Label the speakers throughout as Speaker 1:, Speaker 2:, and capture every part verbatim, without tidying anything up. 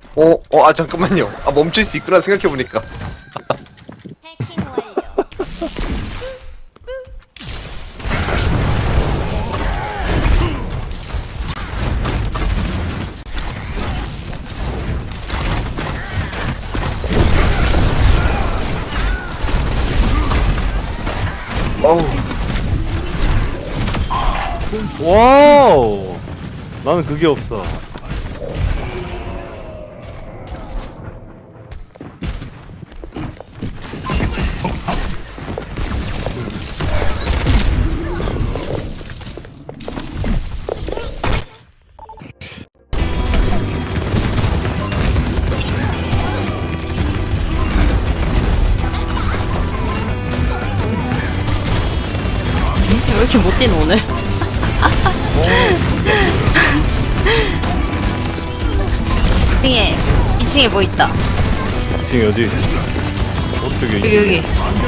Speaker 1: 어, 어, 아, 잠깐만요. 아, 멈출 수 있구나, 생각해보니까.
Speaker 2: 해킹 완료.
Speaker 1: 어우,
Speaker 3: 와우. 나는 그게 없어.
Speaker 4: 왜 이렇게 못 뛰노 오늘? 이 층에 이 층에 뭐 있다.
Speaker 3: 지금 어디? 어떻게?
Speaker 4: 여기 여기.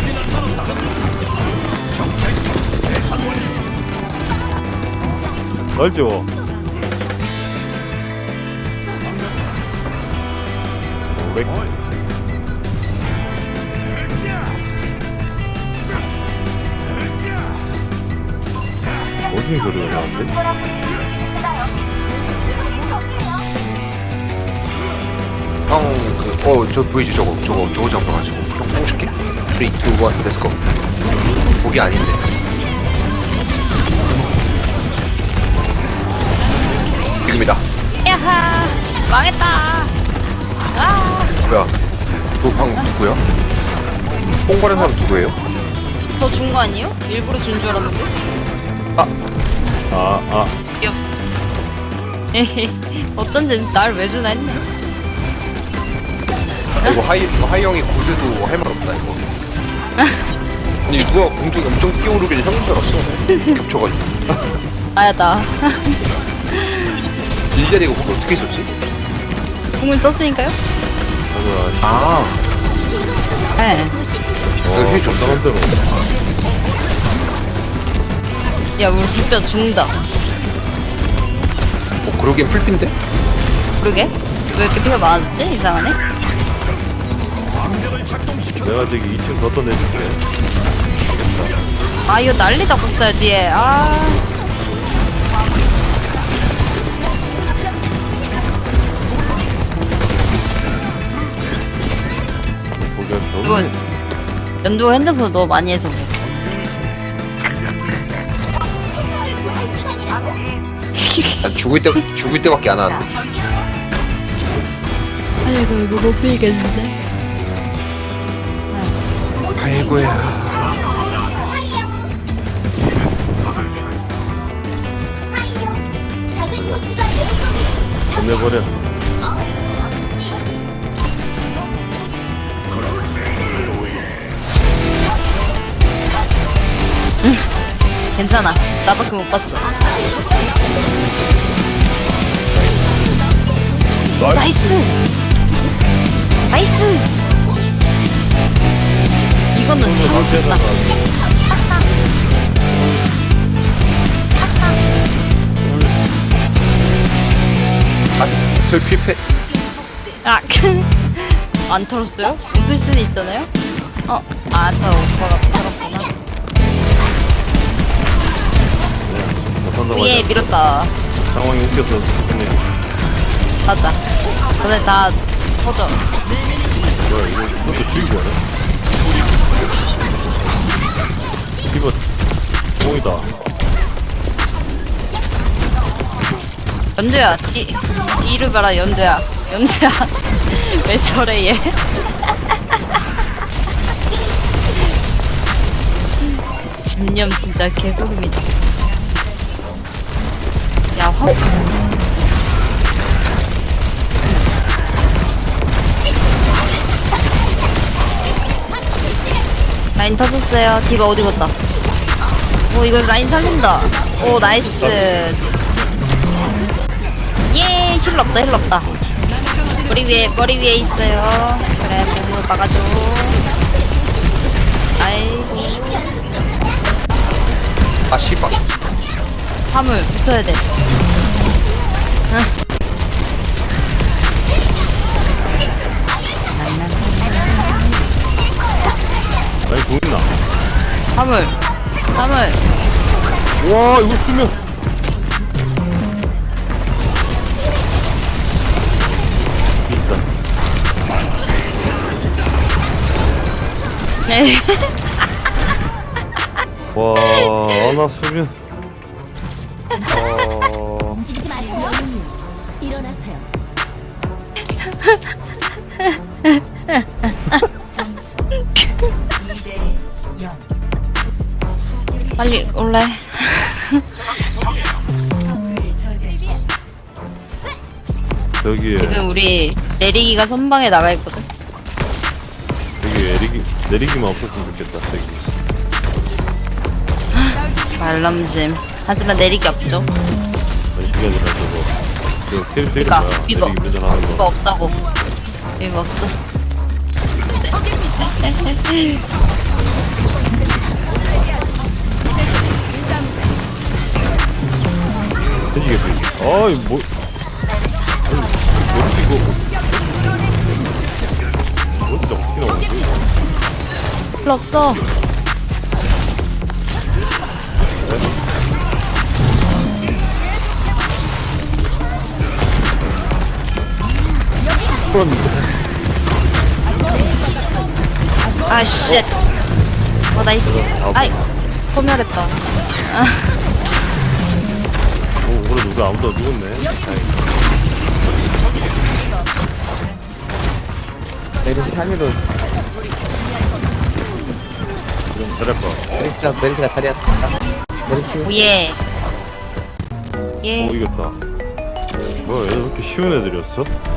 Speaker 3: 알죠? 왜? 어디 소리가 나는데?
Speaker 1: 형, 그, 어, 저 보이지, 저거, 저거, 저거 잡아가지고. 형, 뽕 줄게. 삼, 이, 일, 렛츠고. 목이 아닌데. 지금이다.
Speaker 4: 야하 망했다. 아,
Speaker 1: 뭐야? 도방 누구야? 뽕 바른 사람 누구예요?
Speaker 4: 더 준 거 아니에요? 일부러 준 줄 알았는데.
Speaker 3: 아, 아.
Speaker 4: 이게 없어. 에헤, 어쩐지 날 왜 주나 했네.
Speaker 1: 아, 이거 하이, 이거 하이 형이 고세도 할 말 없다, 이거. 아니, 누가 공중에 엄청 뛰어오르길래 형인 줄 알았어. 겹쳐가지고.
Speaker 4: 아야다.
Speaker 1: 일자리가 거기 어떻게 있었지?
Speaker 4: 공을 썼으니까요?
Speaker 1: 아,
Speaker 4: 네.
Speaker 3: 와,
Speaker 1: 그 해줬어.
Speaker 3: 건강한 대로.
Speaker 4: 야 우리 국자 죽는다.
Speaker 1: 어, 그러기엔 풀핀데?
Speaker 4: 그러게? 왜 이렇게 피가 많아졌지? 이상하네.
Speaker 3: 내가 저기 이 층 더 떠내줄게.
Speaker 4: 아 이거 난리다 국자 뒤에. 아.
Speaker 3: 보기엔
Speaker 4: 이거
Speaker 3: 너무
Speaker 4: 연두 핸드폰 너무 많이 해서 그래.
Speaker 1: 난 죽을 때, 죽을 때밖에 안 하는데.
Speaker 4: 아이고 이거 못 피겠는데.
Speaker 1: 아이고야.
Speaker 3: 보내버려.
Speaker 4: 괜찮아. 나밖에 못 봤어. 나이스. 나이스. 이거는 잘못했다.
Speaker 1: 아, 저 필패.
Speaker 4: 아, 안 털었어요? 있을 수는 있잖아요. 어, 아, 저 오빠가 털었구나. 위에
Speaker 3: 못한다고
Speaker 4: 밀었다.
Speaker 3: 상황이 웃겨서 그냥
Speaker 4: 맞아. 오늘 다 터져.
Speaker 3: 뭐야 이거 이것도 죽이고 하네. 이거 뽕이다.
Speaker 4: 연두야, 뒤, 뒤를 봐라, 연두야. 연두야. 왜 저래, 얘? 집념 진짜 개소름이다. 야, 확. 라인 터졌어요. 디바 어디 갔다? 오, 이거 라인 살린다. 오, 나이스. 예, 힐 없다, 힐 없다. 머리 위에, 머리 위에 있어요. 그래, 몸을 막아줘. 아이고.
Speaker 1: 아, 씨발.
Speaker 4: 화물 붙어야 돼. 응. 화물 화물.
Speaker 3: 와 이거 쓰면 있다.
Speaker 4: 네.
Speaker 3: 와 아나 쓰면 어
Speaker 2: 움직이지 마세요. 일어나세요.
Speaker 4: 빨리 올래.
Speaker 3: 저기에
Speaker 4: 지금 우리 내리기가 선방에 나가 있거든.
Speaker 3: 저기 내리기 내리기만 없었으면 좋겠다. 저기
Speaker 4: 말람짐. 하지만 내리기 없죠.
Speaker 3: 아니 그게 아니라 저거 저 캐릭터 이름
Speaker 4: 이거,
Speaker 3: 뭐야?
Speaker 4: 이거.
Speaker 3: 내리기 운전하는
Speaker 4: 이거
Speaker 3: 거.
Speaker 4: 없다고. 이거 없어.
Speaker 3: 돼지겠지. 아이 뭐 아니 뭐 이거 뭐 진짜 어떻게 나오는 거야?
Speaker 4: 필요 없어. 아, 쉣. 어, 나이스. 아이, 소멸했다. 아,
Speaker 3: 오 오늘 누가 아무도 안 죽었네.
Speaker 5: 메르시 삼위로
Speaker 3: 잘했다.
Speaker 5: 메르시가 메르시가 다리였다. 메르시
Speaker 4: 오예.
Speaker 3: 오
Speaker 4: 예.
Speaker 3: 이겼다. 뭐야 얘들 왜 이렇게 쉬운 애들이었어?